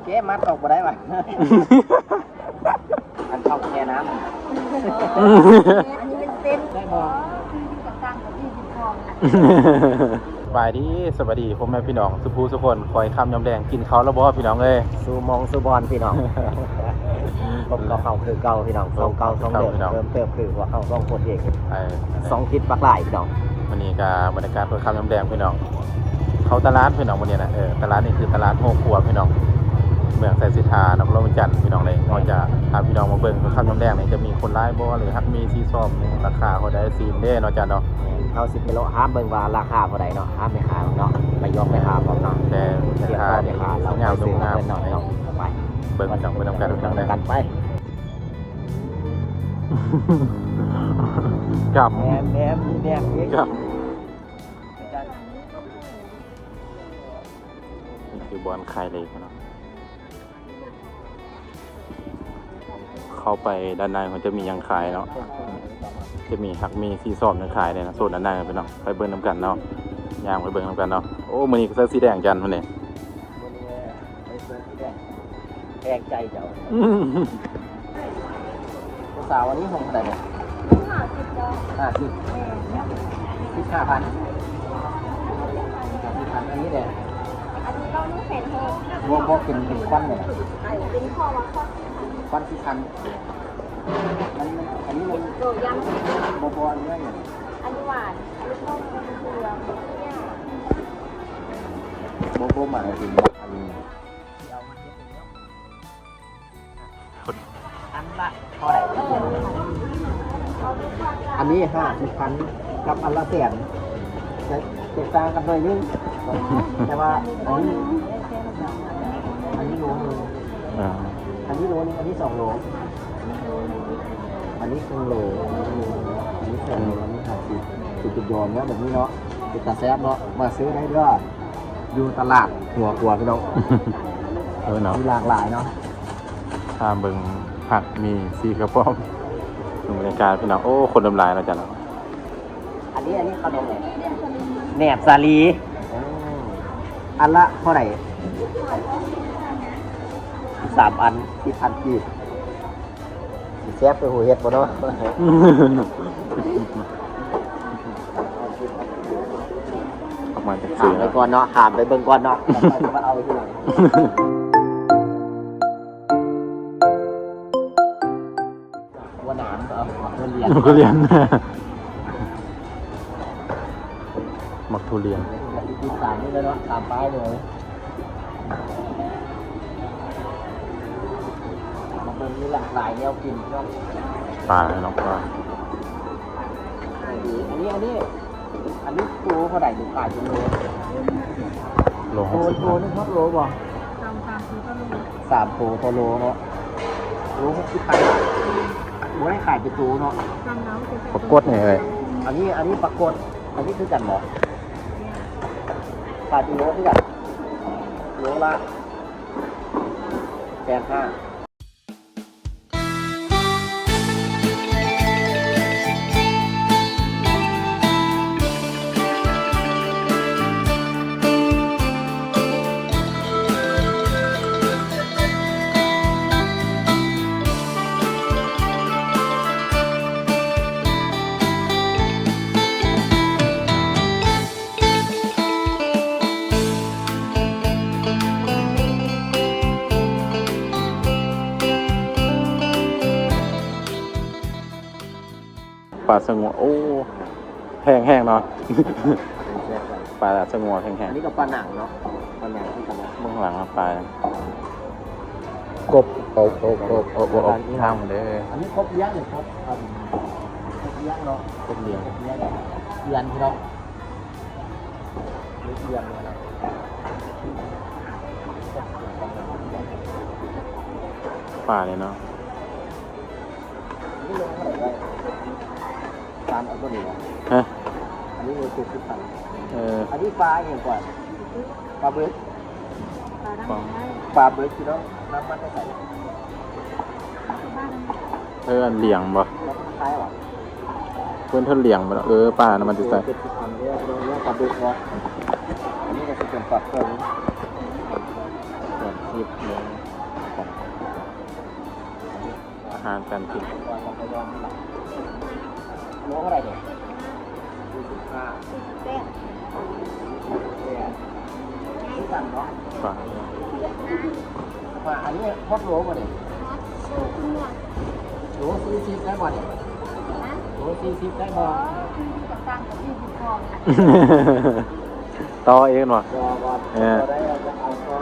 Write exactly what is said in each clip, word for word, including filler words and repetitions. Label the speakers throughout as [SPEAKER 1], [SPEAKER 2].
[SPEAKER 1] เก๊มัดออกมาได้ป่ะอันเข้าแค่น้ำอันนี้เป็นเส้นได้บ่ตั้งกับยี่สิบฟอง
[SPEAKER 2] สบายดีสวัสดีผมแม่พี่น้องสุภูสุคนคอยคำยำแดงกินเขาแล้วบ่พี่น้องเอ้ย
[SPEAKER 1] สูมองสูบอลพี่น้องผมก็เข้าคือเก่าพี่น้องสองเก่าสองเดิมเริ่มเติมคือว่าเข้าสองคนเองสองทิศปักหลายพี่น้อง
[SPEAKER 2] วันนี้ก็บรรยากาศคอยคำยำแดงพี่น้องเขาตลาดพี่น้องวันนี้นะเออตลาดนี่คือตลาดโฮครัวพี่น้องเมืองไซสิทานครหลวงจันทร์พี่น้องเลยเราจะพาพี่น้องมาเบิ่งคอยคำยำแดงนี่จะมีคนร้ายบ่หรือฮักมีซีซอมราคาเขาได้ซีนเด้เนาะจ้ะเนาะ
[SPEAKER 1] เขาสิบกิโลห้ามเบิ่งว่าราคาเท่าไหร่เนาะห้ามไม่ขายเนาะไปยกไปขายพร้อมเนาะ
[SPEAKER 2] แต่ราคาเนี่ยสวยงามสวยงาม
[SPEAKER 1] เนาะไป
[SPEAKER 2] เบิ่งจังเบิ่งนำกันจังเลย
[SPEAKER 1] กันไป
[SPEAKER 2] กับ
[SPEAKER 1] แหนมแหนมแหนมนี่
[SPEAKER 2] กับนี่คือบอลไข่เลยเนาะเข้าไปด้านในมันจะมียังขายเนาะจะมีหักมีซีซอมในขายเลยนะโซนด้านในไปเนาะไปเบิ่งน้ำกันเนาะย่างไปเบิ่งน้ำกันเนาะโอ้มื้อนี้ก็เสื้อสีแดงจันมันนี่
[SPEAKER 1] แดงใจเจ้าผู้สาววันนี้คงเท่าไหร่เนี่ยห้าสิบห้าสิบสิบห้าพันสิบพันอันนี้เด้
[SPEAKER 3] อันนี้เราไม่เห็นเลย
[SPEAKER 1] บวกบวกเป็นเป็นควันเนี่ย
[SPEAKER 3] เป็นข้อว่าข้อ
[SPEAKER 1] ควันที่พันมันอันนี้มัน
[SPEAKER 3] โดยยัง
[SPEAKER 1] บวกบวกอันนี้เนี่ย
[SPEAKER 3] อันนี้หวานอันนี้ต้มอันนี้เกลือเนี่ย
[SPEAKER 1] บวกบวกมาถึงอันนี้อันละเท่าไหร่อันนี้ห้าสิบพันกับอันละแสนจะแตกต่างกันหน่อยนึงแต่ว่าอันนี้อันนี้โลนึงอันนี้โลนึงอันนี้สองโลอันนี้ครึ่งโลอันนี้สองโลอันนี้ห้าสิบจุดจุดโยนเนี่ยแบบนี้เนาะเป็นตาแซ่บเนาะมาซื้อได้ก็อยู่ตลาดหัวกลัวพี่น้อง
[SPEAKER 2] เออเนาะ
[SPEAKER 1] มีหลากหลายเนาะ
[SPEAKER 2] ถ้าเบิ่งผักมีซีกระป๋อมบรรยากาศพี่น้องโอ้คนดำลายแล้วจ้ะเนาะ
[SPEAKER 1] อันนี้อันนี้ขนมอะไรแหนบสาลีอันละเท่าไหร่สามอันที่พันกีบแซ่บไปหัวเห็ดบ่เนาะ
[SPEAKER 2] ออกมาจาก
[SPEAKER 1] ถามไปก่อนเนาะถามไปเบิ่งก่อนเนาะมาเอาไปที่หลังว่าหนามเอาทุเรียน
[SPEAKER 2] ทุเรียนมักทุเรียน
[SPEAKER 1] ติดตามนี่เลยเนาะตามป้ายเลยมันมีหลากหลายแนวกินเนาะ
[SPEAKER 2] ปลาเนาะปลา
[SPEAKER 1] อันนี้อันนี้อันนี้โลเท่าไหร่ดูขายเป็นโล
[SPEAKER 2] โลหกสิบ
[SPEAKER 1] โลนึงครับโลบ่สามสามคือก็โลสามโลต่อโลเนาะโลหกสิบพันโลให้ขายเป็นตัวเนาะ
[SPEAKER 2] ปรากฏเนี่ยเลย
[SPEAKER 1] อันนี้อันนี้ปรากฏอันนี้คือกันเหรอขายเป็นโลคือกันโลละแปดห้า
[SPEAKER 2] ปลาสงวนโอ้แห้งๆเนาะปลาสงวนแห้งๆ
[SPEAKER 1] อันนี้ก็ปลาหนังเนาะปลาหนังที่กันนะ
[SPEAKER 2] เบื้องหลังปลากบกบกบกบกบกบทางเด้อ
[SPEAKER 1] อันนี้ครบเลี้ยงเลยครับครบเลี้ยงเนาะ
[SPEAKER 2] ครบเลี้ยง
[SPEAKER 1] เลี้ยงเลี้ยงพี่น้องเลี้ยงเนาะ
[SPEAKER 2] ปลาเลยเนาะ
[SPEAKER 1] ตามเอาตัวนี้
[SPEAKER 2] ฮะ
[SPEAKER 1] อันนี้เลยคือสิบพัน
[SPEAKER 2] เออ
[SPEAKER 1] อันนี้ปลาเองก่อนปลาเบิร์ด
[SPEAKER 3] ปลา
[SPEAKER 1] ปลาเบิร์ดพี่น้องน้ำมันจะใส่
[SPEAKER 2] เออเหลี่ยงบ่
[SPEAKER 1] คล้ายหรอ
[SPEAKER 2] เพื่อนเท่าเหลี่ยงบ่เออปลาน้ำมันจะใส่
[SPEAKER 1] สิบพันเนี่ยเราเนี่ยปลาเบิร์ดเนาะอันนี้ก็จะเป็นปลาเพิ่มส่วน
[SPEAKER 2] ยิบเนื้ออาหารการกิน
[SPEAKER 1] ก่อนเราไปย้อนที่หลังโลเท่าไหร่เนี่ยสี่สิบห้า
[SPEAKER 3] เต้น
[SPEAKER 1] เนี่ยนี่สั่งเนาะ
[SPEAKER 2] ฟัง
[SPEAKER 1] มาอันนี้ฮอตโลป่ะเนี่ย
[SPEAKER 3] โซ่ขึ้นหมด
[SPEAKER 1] โลสี่สิบได้ป่ะเนี่ย
[SPEAKER 3] นะ
[SPEAKER 1] โลสี่สิบได้
[SPEAKER 3] อ๋
[SPEAKER 1] ป่ะ
[SPEAKER 3] อคือกับตังกับที่บุคคลอ่ะ
[SPEAKER 2] ต่อเองหน่อย
[SPEAKER 1] รอก่อน
[SPEAKER 2] เออ
[SPEAKER 1] รอได้เราจะเอาก่อน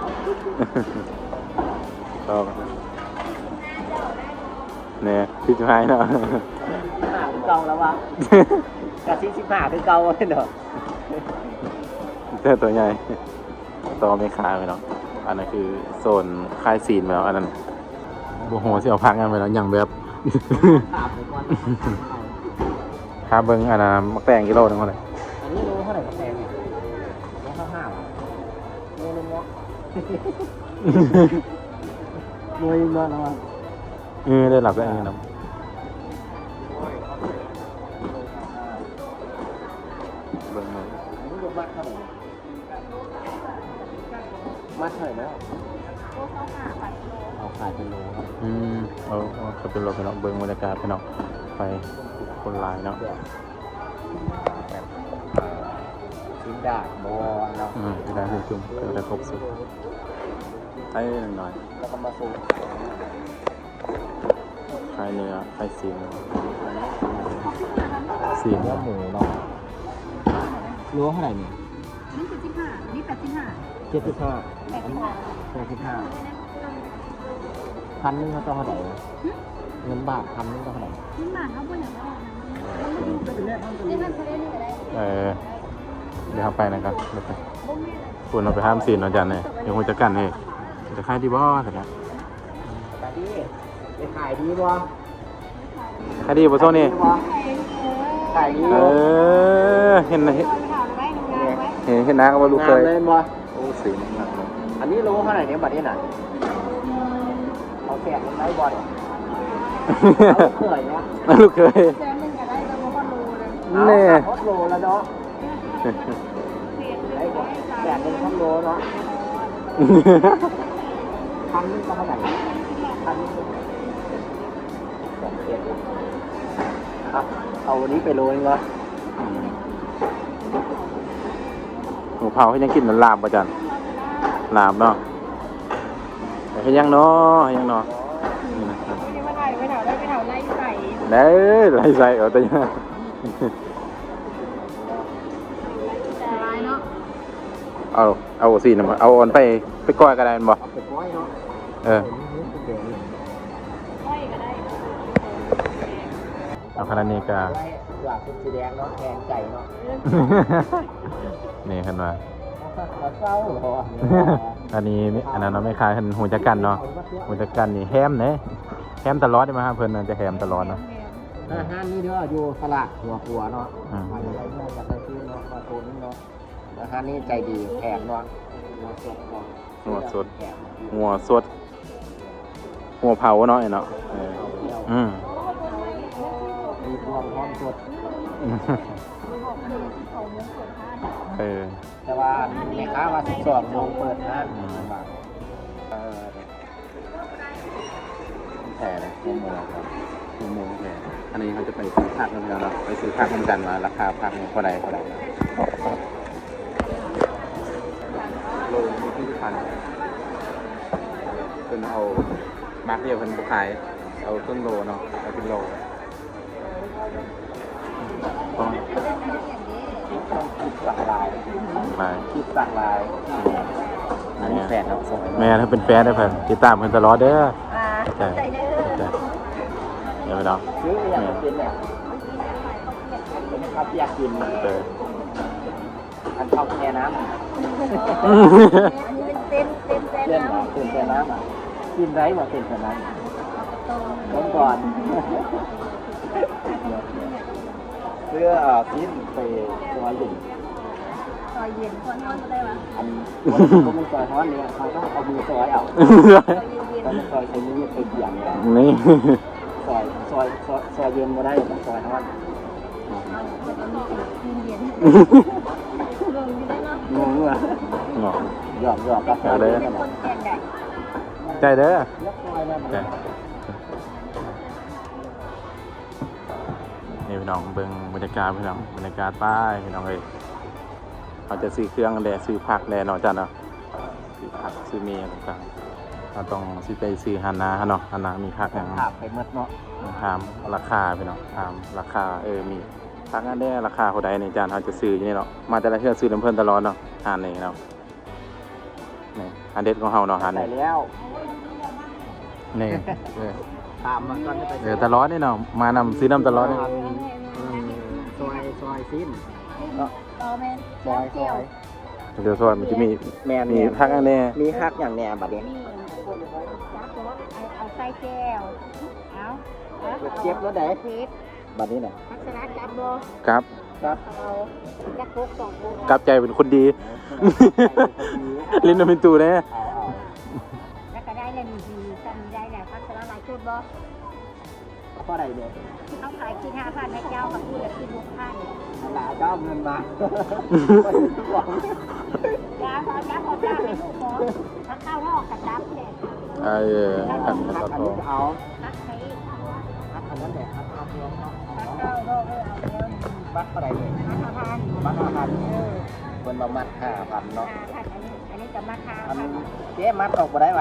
[SPEAKER 2] ต่อกันเนี่ยพี่จะให้เนาะ
[SPEAKER 1] ห้าคือเก่าแล้ววะกะสี่สิบห้าคือเก่าเลยเนาะ
[SPEAKER 2] เจ้าตัวใหญ่ต่อไม่ขาไปเนาะอันนั้นคือโซนค่ายซีนไปแล้วอันนั้นโอ้โหที่เอาพักงานไปแล้วอย่างแบบ
[SPEAKER 1] ถามไปก่อน
[SPEAKER 2] ค่าเบิ้งอันนั้นมักแตงกิโลนึงเท่าไหร่
[SPEAKER 1] อันนี้โลเท่าไหร่กับแพงเนี่ยโลเท่าห้าโลนึงเนาะโลนึงเนาะนะวะ
[SPEAKER 2] เออได้หลับได้เงินนะเบิ้งเลย
[SPEAKER 1] อันนี้รถมัดเท่าไหร่มัดเท่าไหร่นะ
[SPEAKER 3] โซ่เข้าหาปัดโล
[SPEAKER 1] เอาขายเป็นโลครับ
[SPEAKER 2] อืมเอาเอาเขาเป็นรถไปเนาะเบิ้งบรรยากาศไปเนาะไปคนหลายเนาะ
[SPEAKER 1] แบบชิ้นดาดบอลเนาะ
[SPEAKER 2] อืมได้คุ้มจุ่มก็ได้ครบสุดให้หน่อย
[SPEAKER 1] แล้วก็มาสูบ
[SPEAKER 2] คลายเนื้อคลายซีนซีน
[SPEAKER 1] เนื้อหมูเนาะรู้เท่าไหร่เนี่ย
[SPEAKER 3] นี่คือสิบห้านี่แปดสิบห้า
[SPEAKER 1] เจ็ดสิบห้า
[SPEAKER 3] แปดสิบห้า
[SPEAKER 1] แปดสิบห้าพันนึงเขาต้องเท่าไหร่เงินบาทพันนึงต้องเท่าไหร่
[SPEAKER 3] นี่มาเขาบ่อยากได้นี่มันเขาเรียกนี่ก็ได้
[SPEAKER 2] เออเดี๋ยวเอาไปนะครับเดี๋ยวไป
[SPEAKER 3] บ่แม่เลย
[SPEAKER 2] คุณเอาไปห้ามซีนเอาจารย์เนี่ยเดี๋ยวคุณจะกันให้จะขายดีบ่แต่ละ
[SPEAKER 1] ขายดีไปขายดีบ่
[SPEAKER 2] ขายดีบ่โซนี่
[SPEAKER 1] ขายดี
[SPEAKER 2] เอ
[SPEAKER 1] บ่
[SPEAKER 2] อเห็นนะเห็น
[SPEAKER 3] เอาไว้งานไว้
[SPEAKER 2] เห็นเห็นนะว่าลูกเคย
[SPEAKER 1] งามเล่นบ่
[SPEAKER 2] โอ้สีมันหนักเลย
[SPEAKER 1] อันนี้รู้เท่าไหร่เนี่ยบัตรนี้น่ะเอาแขกมันได้บ่เนี่ยเอาเคยเนาะ
[SPEAKER 2] ลูกเคย
[SPEAKER 3] แสนหนึ่งก็ได้ก็บ่พอรู้เลย
[SPEAKER 2] แน่
[SPEAKER 1] เอาโลแล้วเนาะไอ้บ่แขกเป็นพันโลเนาะพันนึงต้องเท่าไหร่พันนึงสองเจ็ดครับเอาวันนี้ไปโลนึงเหรอ
[SPEAKER 2] หมูเผาให้ยังกินมันลาบป่ะจันลาบเนาะให้ยังเนาะให้ยังเนาะนี่นะครับ
[SPEAKER 3] นี่มาถ่ายไปแถวได้ไปแถวไล่ใส่
[SPEAKER 2] เด้อไรใส่เอาแต่ยัง
[SPEAKER 3] แต่ร้ายเนาะ
[SPEAKER 2] เอาเอาสีนะมาเอาออนไปไปก้อยกระไดมันบ่
[SPEAKER 1] เอาไปก้อยเนาะ
[SPEAKER 2] เออ
[SPEAKER 3] ค่อยก็ได้
[SPEAKER 2] เอาขนาดนี้ก็
[SPEAKER 1] ไว้อยากเป็นสีแดงเนาะแทนใจเนาะ
[SPEAKER 2] นี่ขึ้นมา
[SPEAKER 1] เอาเศร้าเหรอ
[SPEAKER 2] อันนี้อันนั้นเราไม่คายเห็นหูจักกันเนาะหูจักกันนี่แฮมเนี่ยแฮมตลอดได้ไหมครับเพิ่นน่ะจะแฮมตลอดเนาะ
[SPEAKER 1] อาหารนี่เด้ออยู่สลัดหัวหัวเนาะ
[SPEAKER 2] อืม
[SPEAKER 1] มาอะไรเนาะจากไปซื้อเนาะมาโซนนี่เนาะอาหารนี่ใจดีแถมเนาะหัวสดเนาะ
[SPEAKER 2] หัวสด
[SPEAKER 1] แถม
[SPEAKER 2] หัวสดหัวเผาเนาะไอ้เนาะเออ
[SPEAKER 1] เอาไปแล้ว
[SPEAKER 2] อืม
[SPEAKER 1] มีพวงพร้อมสด
[SPEAKER 2] เออ
[SPEAKER 1] แต่ว่าแม่ค้าว่าสิบสองโมงเปิดนะ
[SPEAKER 2] อืม
[SPEAKER 1] เออ
[SPEAKER 2] แผ่เลยหัวหมูครับหัวหมูแผ่อันนี้เขาจะไปซื้อผักกันแล้วเนาะไปซื้อผักกันกันมาราคาผักเนี่ยเท่าไหร่เท่าไหร่นะโลมีที่พันเพิ่นเอามาร์กเดียวเพิ่นบ่ขายเอาต้นโลเนาะเอาเป็นโลก็
[SPEAKER 1] ต้องคิดสั่งลาย
[SPEAKER 2] ไป
[SPEAKER 1] คิดสั่งลายอันนี้แฟนเราส่ง
[SPEAKER 2] แม่ถ้าเป็นแฟนได้เพิ่นติดตามเพิ่นตลอดเด้อ
[SPEAKER 3] อ่า
[SPEAKER 2] ใช่
[SPEAKER 3] ใจเด้อ
[SPEAKER 2] ใช่เดี๋ยวไปเนาะ
[SPEAKER 1] ซื้ออย่างเป็นเนี่ยเป็นข้าวเปียกกิน
[SPEAKER 2] เออ
[SPEAKER 1] อันข้าวแช่น้ำ
[SPEAKER 3] อันนี้เป็นเต้นเต้นเต้น
[SPEAKER 1] เล่น
[SPEAKER 3] น้
[SPEAKER 1] เหรอเต้นแช่น้ำอ่ะกินไรหมดเต้นแช่น้ำ
[SPEAKER 3] ำ
[SPEAKER 1] ต้นก่อนเสื้อพิ้นไปซอยหนึ่ง
[SPEAKER 3] ซอยเย็นคนนอนก็ได้ปะ
[SPEAKER 1] อันคนมีซอยฮ้อนเนี่ยเขาต้องเอามือซอยเอา
[SPEAKER 3] ซอยเย็น
[SPEAKER 1] ต้องซอยใช้มือไปเบี่ยงเลย
[SPEAKER 2] นี่
[SPEAKER 1] ซอยซอยซอยซอยเย็นมาได้ต้องซอยฮ้อน
[SPEAKER 3] เย็นลงอยู่ได้เนาะ
[SPEAKER 1] งงอ่ะ
[SPEAKER 2] เนาะ
[SPEAKER 1] หยอกหยอกกาแฟ
[SPEAKER 2] เอาเลย
[SPEAKER 3] เป็นคนแก่ใหญ่
[SPEAKER 2] ใจเด้อ
[SPEAKER 1] เลือกซอยมา
[SPEAKER 2] ใจนี่พี่น้องเบิ่งบรรยากาศพี่น้องบรรยากาศป้ายพี่น้องเอ้ยเขาจะซื้อเครื่องแลซื้อผักแลเนาะจ้ะเนาะซื้อผักซื้อเมียต่างๆเราต้องซื้อไปซื้อฮานาเนาะฮานามีผักอย่าง
[SPEAKER 1] ขาบไปหมดเนาะ
[SPEAKER 2] ถามราคาพี่น้องถามราคาเออมีผักอันได้ราคาเท่าใดในจานเขาจะซื้ออยู่นี่เนาะมาแต่ละเทื่อซื้อน้ำเพิ่นตลอดเนาะหานนี่เนาะนี่อันเด็ดของเฮาเนาะหาน
[SPEAKER 1] ใส่
[SPEAKER 2] นี่
[SPEAKER 1] แล้ว
[SPEAKER 2] นี่เออ
[SPEAKER 1] ตามมาก่อนจะไป
[SPEAKER 2] เออตลอดนี่เนาะมานำซื้อน้ำตลอดนี่
[SPEAKER 1] ซอยซอยสิ้น
[SPEAKER 3] ต่อแม่
[SPEAKER 1] ซอยซอย
[SPEAKER 2] เดี๋ยวซอยมันจะมี
[SPEAKER 1] แม่
[SPEAKER 2] มี
[SPEAKER 1] มี
[SPEAKER 2] ผักอันแน่
[SPEAKER 1] มีฮักอย่างแหน่บัดนี้
[SPEAKER 3] นี่จับตัวเอาใส่แก้วเอา
[SPEAKER 1] เจ็บแล้วไหน
[SPEAKER 3] เจ็บ
[SPEAKER 1] บัดนี้น่ะ
[SPEAKER 3] ทักษณะจับโบ
[SPEAKER 2] ครับ
[SPEAKER 1] ครับ
[SPEAKER 3] เอาจักกุกสองกุก
[SPEAKER 2] กลับใจเป็นคนดี ลิ้นเป็นตูแน่
[SPEAKER 1] เอาเอา
[SPEAKER 3] แล้วก็ได้เลยมีดีจำได้แล้วทักษณะหลายชุดบ่
[SPEAKER 1] เพราะอะไรเนี่ย
[SPEAKER 3] เขาขายคิดห้าพันให้เจ้ากับผู้ละคิดหกพัน
[SPEAKER 1] หลาเจ้าเงินมา
[SPEAKER 3] จ้าขอจ้าขอจ้าให้ลูกขอถ้าเข้ารอบกับจับเนี่ย
[SPEAKER 2] เออผัก
[SPEAKER 1] ฮัก
[SPEAKER 2] กระ
[SPEAKER 1] อัน
[SPEAKER 2] ท
[SPEAKER 1] นี้
[SPEAKER 2] ง
[SPEAKER 1] ก็เอา
[SPEAKER 3] ทักให้
[SPEAKER 1] ฮักอันนั้นแหละฮักเอาเงิน
[SPEAKER 3] ทักเข้ารอบเลยเอาเร็ว
[SPEAKER 1] บัตรอะไรเนี่ย
[SPEAKER 3] ทักห้าพัน
[SPEAKER 1] บัตรห้าพัน
[SPEAKER 3] เออ
[SPEAKER 1] คนเรามัดห้าพันเนาะ
[SPEAKER 3] ห้าพันอันนี้อันนี้จะมาทา
[SPEAKER 1] อัน
[SPEAKER 3] พัน
[SPEAKER 1] เจ๊มัดออกมาได้ไหม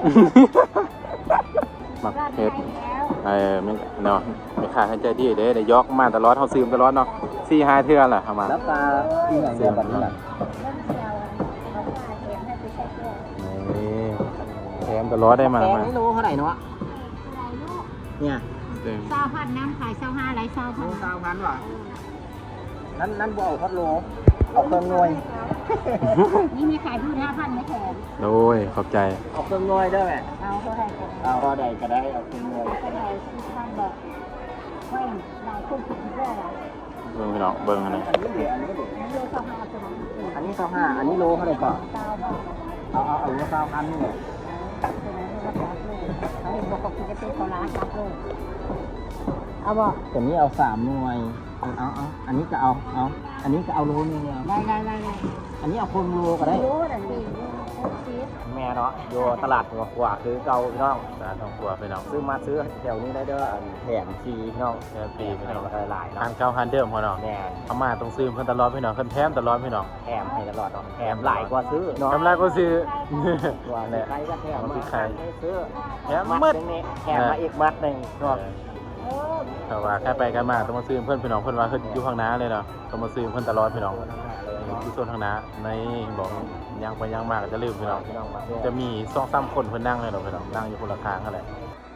[SPEAKER 2] หมัก
[SPEAKER 3] ก็
[SPEAKER 2] เผ็
[SPEAKER 3] ได้
[SPEAKER 2] ด
[SPEAKER 3] แล้ว
[SPEAKER 2] เออไม่เนาะไม่ขาดให้ใจดีเด้ได้ยกมาตลอดเฮาซื้อมาตลอดเนาะสี่ห้าเทื่อแหละเอามา
[SPEAKER 1] แล้วตาอีกอย่างเดียวแบบนี้แหละ
[SPEAKER 3] เริ่มเชียวเขาว่าเห็นให้ไปใช้แก้ว
[SPEAKER 2] นี่แถมตลอดได้มา
[SPEAKER 1] แกง
[SPEAKER 2] มา
[SPEAKER 1] นี่รู้เท่าไหร่เนาะ
[SPEAKER 3] อะไรลูก
[SPEAKER 1] เนี่ย
[SPEAKER 2] เต็ม
[SPEAKER 3] เศร้าพันน้ำขายเศร้าห้าไรเศร้าพัน
[SPEAKER 1] รู้เก้าพันว่ะนั่นนั่นบ่เอาพัดโลเอาเครื่องหน่วย
[SPEAKER 3] นี่มีขายพูดห้าพันไม่แถม
[SPEAKER 2] โอ้ยขอบใจ
[SPEAKER 1] เอาเครื่องหน่วยได้ไหม
[SPEAKER 3] เอาเท่าไหร่กัน
[SPEAKER 1] เอาก็ได้ก็ได้เอาเครื่องหน่วย
[SPEAKER 3] เท่าไหร่สิบพันบอกเฮ้ยหลายคนผิดเรื่องอะไร
[SPEAKER 2] เบิ่งพี่น้องเบิ่งอันนี้
[SPEAKER 1] อันนี้เดี๋ยวอันนี้เดี๋ยว
[SPEAKER 3] นี่โลเศร้าห้าตัวนั้น
[SPEAKER 1] อันนี้เก้าห้าอันนี้โลเท่าไหร่ก่อน
[SPEAKER 3] เศร้าบาท
[SPEAKER 1] เอาเอาเอาเก้าพันนี่เนี่ย
[SPEAKER 3] ตัวนั้นก็รับเลยเขาเห็นบอกเขาคิดจะเป็นคนร้านรับเลยเอาบอก
[SPEAKER 1] ตัวนี้เอาสามหน่วยเอาเอาเอาอันนี้ก็เอาเอาอันนี้ก็เอาโลนึงเอา
[SPEAKER 3] ได้ได้ได้ได้
[SPEAKER 1] อันนี้เอาคนโลก็ได้
[SPEAKER 3] รู้แต่ดีซีด
[SPEAKER 1] แม่เนาะอยู่ตลาดหัวขวาคือเก่าพี่น้อง
[SPEAKER 2] สาธุครัวพี่น้อง
[SPEAKER 1] ซื้อมาซื้อแถวนี้ได้เด้ออันแถมฟรีพี่น้อง
[SPEAKER 2] แค่ปีพี่น้อง
[SPEAKER 1] หลายๆ
[SPEAKER 2] ทา
[SPEAKER 1] เนาะ
[SPEAKER 2] นเก่าทานเดิมพอเนาะ
[SPEAKER 1] แม่
[SPEAKER 2] เอามาต้องซื้อเพิ่นตลอดพี่น้องเพิ่นแถมตลอดพี่น้อง
[SPEAKER 1] แถมให้ตลอดเนาะแถมหลายกว่าซื้อเนาะ
[SPEAKER 2] ทำไรก็ซื้อ
[SPEAKER 1] ตัว
[SPEAKER 2] แหละ
[SPEAKER 1] ใครก็แถม
[SPEAKER 2] เอา
[SPEAKER 1] มา
[SPEAKER 2] ซื้อใคร
[SPEAKER 1] ให้ซื้อ
[SPEAKER 2] แถม
[SPEAKER 1] มัด
[SPEAKER 2] มืด
[SPEAKER 1] หนึงนี่แถมมาอีกมัดหนึ่ง
[SPEAKER 2] เอ
[SPEAKER 1] เนาะ
[SPEAKER 2] อถ้าว่าแค่ไปกันมาต้องมาซื้อเพิ่นพี่น้องเพิ่นว่าเพิ่นอยู่ข้างหน้าเลยเนาะต้องมาซื้อเพิ่นตลอดพี่น้องที่โซนข้างหน้าในบอกยังไปยังมากก็จะลืมพี่น้อง
[SPEAKER 1] พี่น้องมาเที่ยว
[SPEAKER 2] จะมีสองสามคนเพิ่นนั่งเลยเนาะพี่น้องนั่งอยู่คนละข้างนั่นแหละ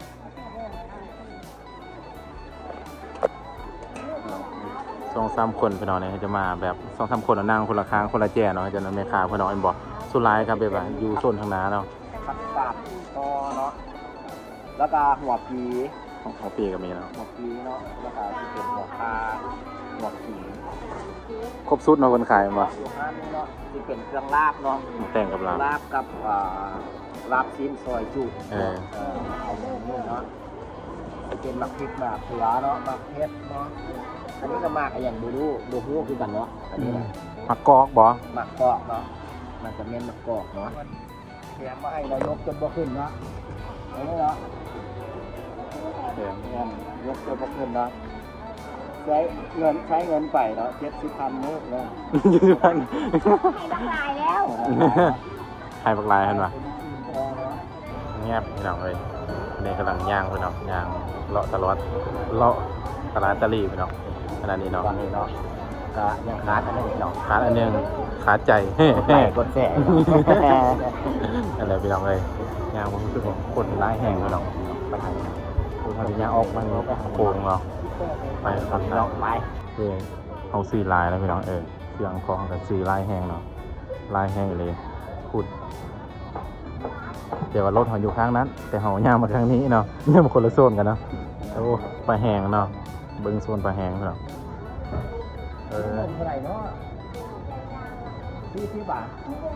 [SPEAKER 2] สองสามคนพี่น้องเนี่ยจะมาแบบสองสามคนนั่งคนละข้างคนละแจ่เนาะจะนั่นแม่ค้าพี่น้องเอ็นบอกสุดท้ายครับแบบว่าอยู่โซนข้างหน้าเนาะ
[SPEAKER 1] ผักกาดคอเนาะแล้วก็หัวปี
[SPEAKER 2] ของของปีก็มีเนาะ
[SPEAKER 1] หัวปีเนาะแล้วก็ที่เป็นหัวปลาหัวขี
[SPEAKER 2] ครบสุดเนาะคนขายมา
[SPEAKER 1] อยู่ห้านนี่เนาะที่เป็นเครื่องลาบเนาะ
[SPEAKER 2] แต่งกับเรา
[SPEAKER 1] ลาบกับอ่าลาบชิ้นซอยจุ
[SPEAKER 2] เออ
[SPEAKER 1] เออเอาหมูนี่เนาะจะเป็นหมักพริกหมักเขือเนาะหมักเผ็ดเนาะอันนี้ก็หมักอย่างบูรูบูรูคือกันเนาะอันนี้นะ
[SPEAKER 2] ผักกอกบ่
[SPEAKER 1] หมักกอกเนาะมันจะเม่นหมักกอกเนาะแถมมาให้นายกจนบ่ขึ้นเนาะอันนี้เนาะ
[SPEAKER 2] เดี๋ยว
[SPEAKER 1] เงินยกจนบ่ขึ้นเนาะใช้เงินใช้เงินไปเนาะเจ็ดสิบพันมื้อเนาะ
[SPEAKER 2] ยี่สิบพัน
[SPEAKER 3] ให้ทั้งลายแล้ว
[SPEAKER 2] ให้ปักลายเห็นปะเงียบพี่น้องเลยนี่กำลังย่างพี่น้องย่างเลาะตลอดเลาะตลาดตะลีพี่น้องขนาดนี้เนาะ
[SPEAKER 1] ตอนนี้เนาะก็ยังขาดอันนี้เนาะ
[SPEAKER 2] ขาดอันหนึงขาดใจเฮ้
[SPEAKER 1] ใส่กดแสง
[SPEAKER 2] อะไรพี่น้องเลยย่างมันรู้สึกว่าคนร้ายแห้งพี่น้องไปไหนมันจะย่างออกมันโค้งเนาะไปครับ
[SPEAKER 1] เนาะไป
[SPEAKER 2] เออเอาซื้อลายแล้วพี่น้องเออเครื่องคองกับซื้อลายแห้งเนาะลายแห้งเลยพูดเดี๋ยวว่ารถเขาอยู่ข้างนั้น แต่เขาย่างมาข้างนี้เนาะเนี่ยมันคนละโซนกันเนาะโอ้ปลาแห้งเนาะเบิ้งโซนปลาแห้งเนาะเออ
[SPEAKER 1] เงินเท่าไหร่เนาะสี่สิบบาท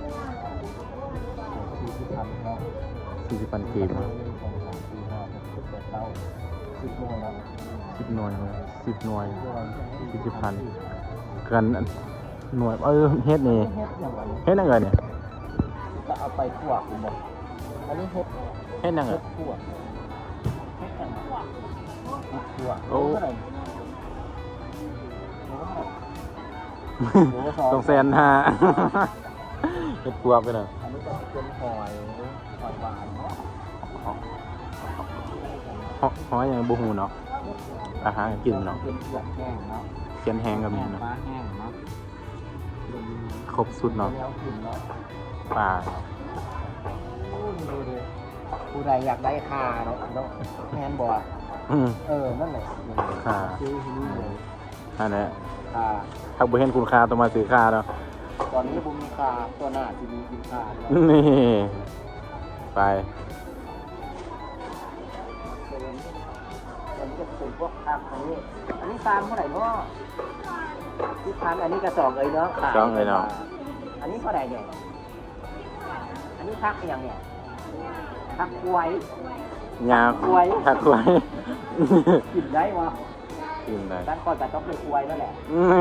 [SPEAKER 1] สี่สิบพันเนาะ
[SPEAKER 2] สี่สิบปันกีบ
[SPEAKER 1] สองสามสี่ห้าหกเจ็ดแปดเก้าสิบโมงแล้ว
[SPEAKER 2] สิบหน่วยสิบหน่วย
[SPEAKER 1] ด้วย
[SPEAKER 2] สี่สิบพันกันหน่วยเออเฮ็ดนี่
[SPEAKER 1] เฮ็ดอย่างไร
[SPEAKER 2] เฮ็ดอะไรเนี่ย
[SPEAKER 1] จะเอาไปคั่วคุณบอกอันนี้เฮ็ด
[SPEAKER 2] เฮ็ดหยังเหรอ
[SPEAKER 1] ขวดเฮ็ดกันขวด
[SPEAKER 2] โอ้
[SPEAKER 1] เท่าไหร่โอ้สอง
[SPEAKER 2] ต้องแสนห้าเฮ็ดพวกไปหน่อย
[SPEAKER 1] อันนี้ก็เป็นหอยหอยหวานเนาะ
[SPEAKER 2] เพราะเพราะยังบ่ฮู้เนาะอาหารกินเนาะ
[SPEAKER 1] เป็นเผือกแห้งเนาะ
[SPEAKER 2] เขียนแห้งก็มีเนาะ
[SPEAKER 1] ปลาแห้งเนาะ
[SPEAKER 2] ครบสุดเนาะ
[SPEAKER 1] แล้วกินเนาะ
[SPEAKER 2] ปลา
[SPEAKER 1] โอ้ดูดิผู้ใดอยากได้คาเนาะเนาะแมนบอก
[SPEAKER 2] อืม
[SPEAKER 1] เออนั่นแหละ
[SPEAKER 2] ค่ะ
[SPEAKER 1] ซื้อที่นี่เลย
[SPEAKER 2] อันนี้
[SPEAKER 1] คา
[SPEAKER 2] ถ้าบ่เห็นคุณค่าต้องมาซื้อค่าเนาะ
[SPEAKER 1] ตอนนี้ผมมีคาตัวหน้าที่มีกินคาเนาะ
[SPEAKER 2] นี่ไป
[SPEAKER 1] อันนี้ก็เป็นพวกอัพอันนี้ อันนี้ฟาร์มเท่าไหร่เนาะที่พันอันนี้กระสอบเลยเนาะขาย
[SPEAKER 2] สองเลยเนาะ
[SPEAKER 1] อันนี้เท่าไหร่เนี่ยอันนี้พักอย่างเนี่ยพักไว้
[SPEAKER 2] ยา
[SPEAKER 1] กล้วย
[SPEAKER 2] ถักกล้วย
[SPEAKER 1] กินได้วะ
[SPEAKER 2] กินได้
[SPEAKER 1] ด้านก่อนแต่ต้องเป็นกล้วยนั่นแหละ
[SPEAKER 2] อืม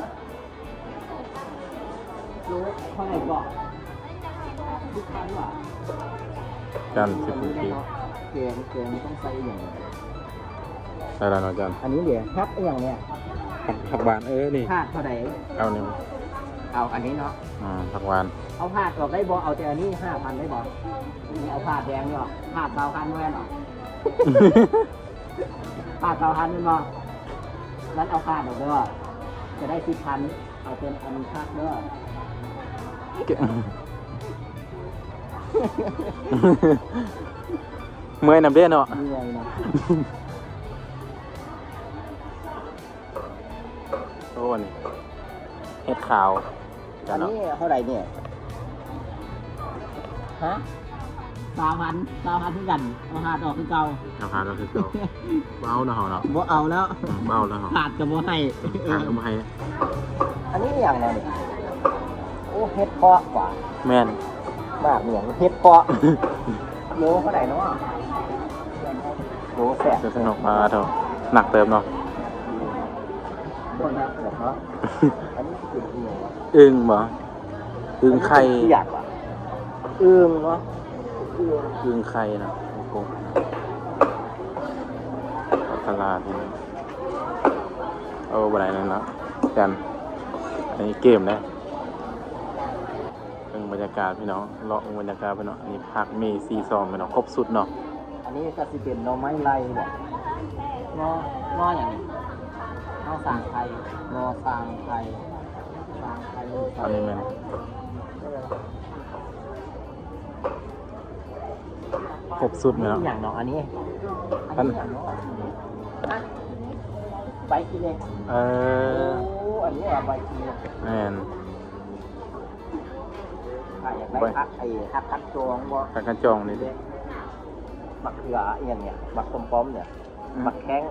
[SPEAKER 1] รู้เท่าไหร่ก่อนที่พันว่ะ
[SPEAKER 2] จันสิบปี
[SPEAKER 1] แกงแกงต้องใส่อย่าง
[SPEAKER 2] ใช่แล้วเนาะจัน
[SPEAKER 1] อันนี้เดี๋ยวพักอย่างเนี่ย
[SPEAKER 2] ผักผักหวานเออนี่
[SPEAKER 1] พาดเท่าไหร่
[SPEAKER 2] เอาเนี่ย
[SPEAKER 1] เอาอันนี้เนาะ
[SPEAKER 2] อ่าผักหวาน
[SPEAKER 1] เอาพาดออกได้บ่เอาแต่อันนี้ห้าพันได้บ่นี่เอาพาดแดงเนาะพาดเตาพันแว่นเนาะพาดเตาพันนี่บ่นั้นเอาพาดออกเด้อจะได้สิบพันเอาเป็นอันพักเด้อ
[SPEAKER 2] เก่ง เมื่อยน้ำเด้เนาะ
[SPEAKER 1] เหนื่อยนะ
[SPEAKER 2] โอ้นี่เห็ดขาวจั
[SPEAKER 1] อั
[SPEAKER 2] น
[SPEAKER 1] น
[SPEAKER 2] เนาะ
[SPEAKER 1] นี้เท่าไหร่เนี่ยฮะสามพันสามพันที่กันเอาพาดออกคือเก่า
[SPEAKER 2] ราคาก็คือเก่าเบาเนาะเนาะ
[SPEAKER 1] บ่เอาแล้ว
[SPEAKER 2] อืมเบาแล้วเนาะ
[SPEAKER 1] ขาดกับบ่ให้
[SPEAKER 2] ทางเอามาให้
[SPEAKER 1] อันนี้อย่างไรเนี่ยโอ้เฮ็ดเพาะกว่า
[SPEAKER 2] แม่น
[SPEAKER 1] มากเหมือนเฮ็ดเพาะโลเท่าไหร่เนาะโลแสน
[SPEAKER 2] จะสนุกมาเถอะหนักเติมเนาะ
[SPEAKER 1] ตัวนักเหรอครับอันนี้คือเอียวอะ
[SPEAKER 2] อึ้งบ่อึ้งไข่
[SPEAKER 1] เปียกว่ะอึ้งเนาะอึ้ง
[SPEAKER 2] อึ้งไข่นะโอ้โหตลาดนี่เอาบ่ได้นั่นเนาะจันอันนี้เกมนะเป็นบรรยากาศพี่น้องเลาะบรรยากาศพี่น้องอันนี้ผักมีซีซอมพี่น้องครบสุดเนาะ
[SPEAKER 1] อันนี้ก็สิเป็นหน่อไม้ไล่เนี่ยงองออย่างนี้งอสางไทยงอสางไทยสางไทย
[SPEAKER 2] อันนี้แม่นครบสุดพี่น้อง
[SPEAKER 1] อย่างเนาะอันนี้อันนี้อย่างเนาะอ่ะใบกิเล็ก
[SPEAKER 2] เอ
[SPEAKER 1] โอ้
[SPEAKER 2] อ
[SPEAKER 1] อันนี้อะใบกิเล็ก
[SPEAKER 2] แม่น
[SPEAKER 1] อ่ะอยากได้พักไอ้พักคัดจองบ่
[SPEAKER 2] ผักกระจองนี่ดิ
[SPEAKER 1] มักเขือเอียงเนี่ยมักต้มป้อมเนี่ยมักแข้ง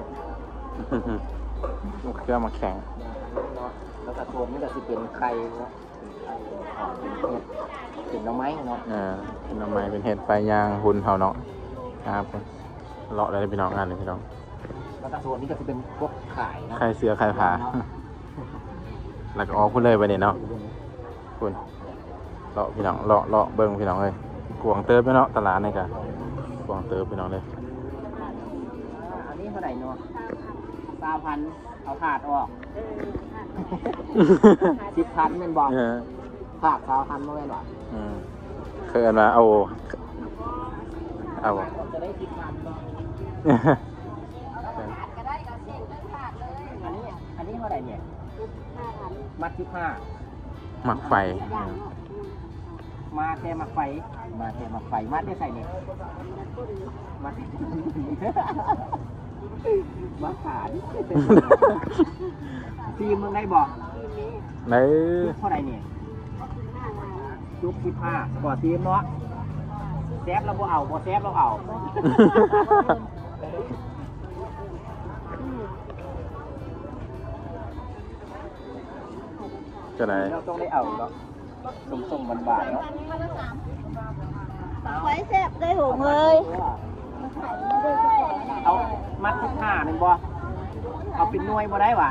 [SPEAKER 2] ลูกเครื่องมาแข่ง
[SPEAKER 1] เนาะแล้วก็ตัวนี้ก็สิเป็นไข่เนาะเป็นไข่เป็นเห็ดเป็นหน่อไม้เนาะ
[SPEAKER 2] เออเป็นทำไมเป็นเห็ดปลายยางหุ่นเฮาเนาะครับเลาะได้พี่น้องงานเลยพี่น้อง
[SPEAKER 1] แล้วก็ตัวนี้ก็จะเป็นพวกขายเนาะ
[SPEAKER 2] ไข่เสือไข่ผาแล้วก็ออกพูดเลยไปเนี่ยเนาะคุณเลาะพี่น้องเลาะเลาะเบิ้งพี่น้องเลยกวางเติบพี่เนาะตลาดนี่กะกวางเติบพี่น้องเลย
[SPEAKER 1] อันนี้เท่าไหร่เนาะสามพันเอาขาดออกสิบพันเป็นบอก
[SPEAKER 2] เออ
[SPEAKER 1] ขาดสามพันเมื่อไหร่หรอ
[SPEAKER 2] อืมเคยเอามาเอาเอา
[SPEAKER 1] จะได้สิบพันเนาะอันนี้อันนี้เท่าไหร่เนี่ยมัดสิบห้า
[SPEAKER 2] หมักไฟ
[SPEAKER 1] มาแค่มาไฟ มาแค่มาไฟ มาได้ใส่เนี่ยมามาขาดซีมึงได้บอก
[SPEAKER 2] ใน
[SPEAKER 1] จุ๊บเท่าไหร่เนี่ยจุ๊บสิบห้าก่อซีมเนาะแซฟเราบ่เอาบ่แซฟเราเอา
[SPEAKER 2] จะไหน
[SPEAKER 1] เราต้องได้เอาเนาะส่งๆบานๆเนาะ
[SPEAKER 3] ไว้แซ่บได้หูเลย
[SPEAKER 1] เอามัดสิบห้าหนึ่งบ่เอาเป็นหน่วยบ่ได้หว่า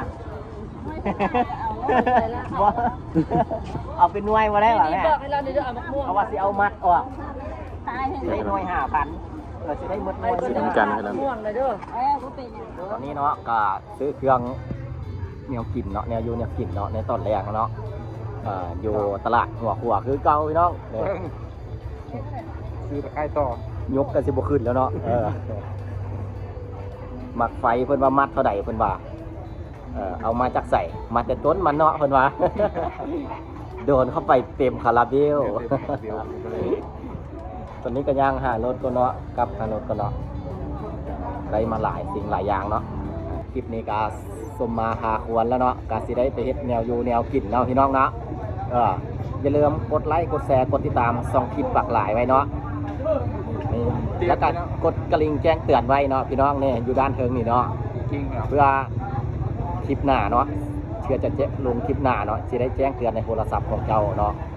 [SPEAKER 1] บ่เอาเป็นหน่วยบ่ได้หว่าแม่
[SPEAKER 3] บอกให้เราเดี๋ยวเอามะม่วง
[SPEAKER 1] เอาว่าสิเอามัดออก
[SPEAKER 3] ตายให้
[SPEAKER 1] สิได้หน่วยห้าพันเออจะได้หมดหน่
[SPEAKER 3] ไอ้
[SPEAKER 1] วย
[SPEAKER 3] คน
[SPEAKER 2] เหมื
[SPEAKER 3] จะ
[SPEAKER 2] อนกันกัน
[SPEAKER 3] ม่วงเลยเด้อเอ้กูเป็นอย่าง
[SPEAKER 1] ตอนนี้เนาะก็ซื้อเครื่องแนวกินเนาะแนวอยู่แนวกินเนาะในตอนแรกเนาะเอ่ออยู่ตลาดหัวขัวคือเก่าพี่น้องเนี่ย
[SPEAKER 4] ซื้อตะไคร้ต่อย
[SPEAKER 1] กกันสิบ่ขึ้นแล้วเนาะเออหมักไฟเพิ่นว่ามัดเท่าใดเพิ่นว่าเออเอามาจากใส่มาแต่ต้นมันเนาะเพิ่นว่า โดนเข้าไปเต็มคาราเบล
[SPEAKER 4] เดี๋ยว
[SPEAKER 1] ตอนนี้ก็ย่างหารถก็เนาะกับหารถก็เนาะได้มาหลายสิ่งหลายอย่างเนาะคลิปนี้ก็สมมาหาควรแล้วเนาะก็สิได้ไปเฮ็ดแนวอยู่แนวกินเนาะพี่น้องเนาะเอออย่าลืมกดไลค์กดแชร์กดติดตามส่องคลิปปักหลายไว้เนาะนี่แล้วก็กดกระลิ่งแจ้งเตือนไว้เนาะพี่น้องเนี่ยอยู่ด้านเทิงนี่เนาะ
[SPEAKER 4] จริงเหรอ
[SPEAKER 1] เพื่อคลิปหน้าเนาะเชื่อจะเจ๊ลงคลิปหน้าเนาะจะได้แจ้งเตือนในโทรศัพท์ของเจ้าเนาะ